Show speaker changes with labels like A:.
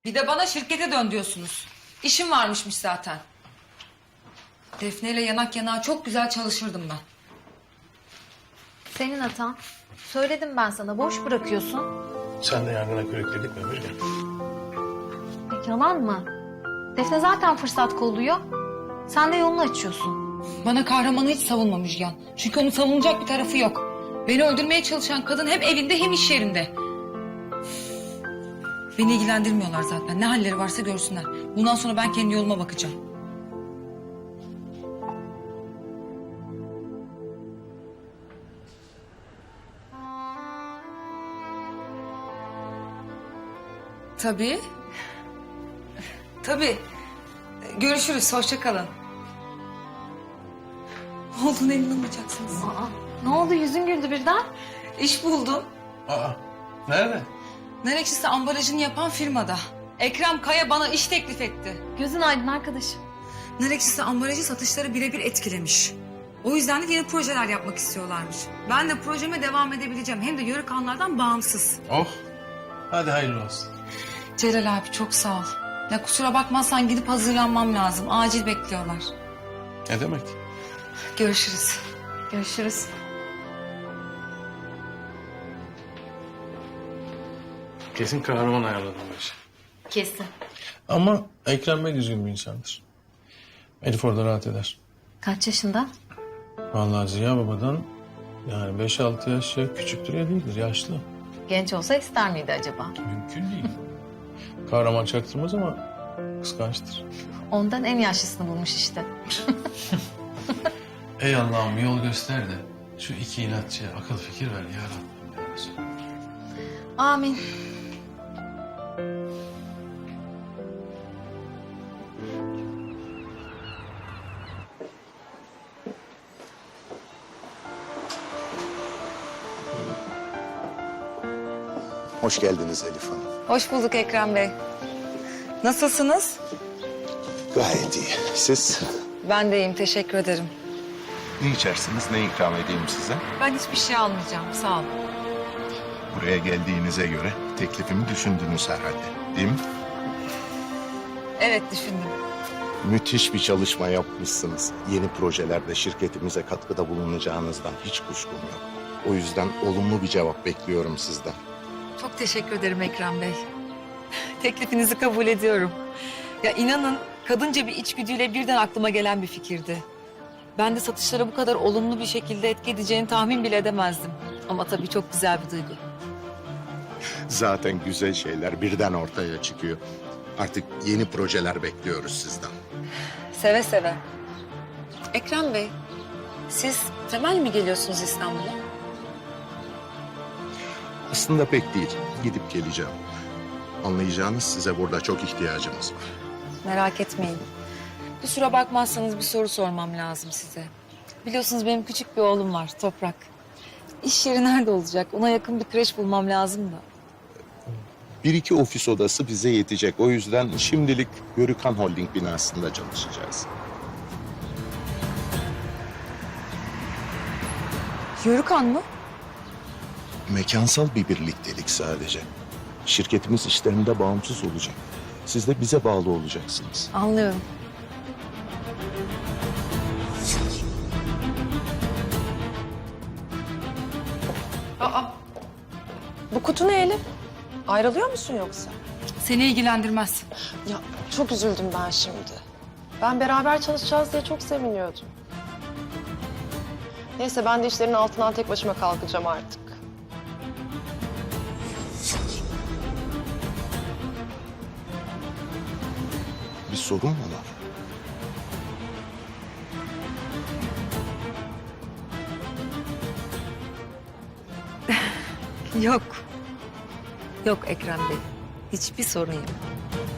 A: Bir de bana şirkete dön diyorsunuz. İşim varmışmış zaten. Defne ile yanak yanağa çok güzel çalışırdım ben.
B: Senin hatan. Söyledim ben sana, boş bırakıyorsun.
C: Sen de yangına körükledik mi Müjgan?
B: Yalan mı? Defne zaten fırsat kolluyor. Sen de yolunu açıyorsun.
A: Bana kahramanı hiç savunma Müjgan. Çünkü onun savunacak bir tarafı yok. Beni öldürmeye çalışan kadın hem evinde hem iş yerinde. Beni ilgilendirmiyorlar zaten. Ne halleri varsa görsünler. Bundan sonra ben kendi yoluma bakacağım. Tabii. Tabii. Görüşürüz. Hoşça kalın. Ne olduğuna inanamayacaksınız.
B: Aa, ne oldu, yüzün güldü birden?
A: İş buldum.
C: Aa, nerede?
A: Narekçisi ambalajını yapan firmada. Ekrem Kaya bana iş teklif etti.
B: Gözün aydın arkadaşım.
A: Narekçisi ambalajı satışları birebir etkilemiş. O yüzden de yeni projeler yapmak istiyorlarmış. Ben de projeme devam edebileceğim. Hem de Yörük Hanlar'dan bağımsız.
C: Oh, hadi hayırlı olsun.
A: Celal abi çok sağ ol. Ya kusura bakmazsan gidip hazırlanmam lazım. Acil bekliyorlar.
C: Ne demek?
A: Görüşürüz.
B: Görüşürüz.
C: Kesin kahraman ayarladım bu işi.
B: Kesin.
C: Ama Ekrem Bey düzgün bir insandır. Elif orada rahat eder.
B: Kaç yaşında?
C: Vallahi Ziya Baba'dan yani 5-6 yaş küçüktür ya değildir, yaşlı.
B: Genç olsa ister miydi acaba?
C: Mümkün değil. Kahraman çaktırmaz ama kıskançtır.
B: Ondan en yaşlısını bulmuş işte.
C: Ey Allah'ım yol göster de şu iki inatçıya akıl fikir ver ya Rabbim ya Resulallah.
B: Amin.
D: Hoş geldiniz Elif Hanım.
A: Hoş bulduk Ekrem Bey. Nasılsınız?
D: Gayet iyi. Siz?
A: Ben de iyiyim. Teşekkür ederim.
D: Ne içersiniz, ne ikram edeyim size?
A: Ben hiçbir şey almayacağım. Sağ olun.
D: Buraya geldiğinize göre teklifimi düşündünüz herhalde, değil mi?
A: Evet düşündüm.
D: Müthiş bir çalışma yapmışsınız. Yeni projelerde şirketimize katkıda bulunacağınızdan hiç kuşkum yok. O yüzden olumlu bir cevap bekliyorum sizden.
A: Çok teşekkür ederim Ekrem Bey. Teklifinizi kabul ediyorum. Ya inanın kadınca bir içgüdüyle birden aklıma gelen bir fikirdi. Ben de satışlara bu kadar olumlu bir şekilde etki edeceğini tahmin bile edemezdim. Ama tabii çok güzel bir duygu.
D: Zaten güzel şeyler birden ortaya çıkıyor. Artık yeni projeler bekliyoruz sizden.
A: Seve seve. Ekrem Bey, siz temel mi geliyorsunuz İstanbul'a?
D: Aslında pek değil. Gidip geleceğim. Anlayacağınız size burada çok ihtiyacımız var.
A: Merak etmeyin. Kusura bakmazsanız bir soru sormam lazım size. Biliyorsunuz benim küçük bir oğlum var, Toprak. İş yeri nerede olacak? Ona yakın bir kreş bulmam lazım da.
D: Bir iki ofis odası bize yetecek. O yüzden şimdilik Yörükan Holding binasında çalışacağız.
A: Yörükan mı?
D: Mekansal bir birliktelik sadece. Şirketimiz işlerinde bağımsız olacak. Siz de bize bağlı olacaksınız.
A: Anlıyorum.
E: Bu kutu ne Elif? Ayrılıyor musun yoksa?
A: Seni ilgilendirmez.
E: Ya çok üzüldüm ben şimdi. Ben beraber çalışacağız diye çok seviniyordum. Neyse ben de işlerin altından tek başıma kalkacağım artık.
D: Bir sorun mu var?
A: Yok. Yok Ekrem Bey. Hiçbir sorun yok.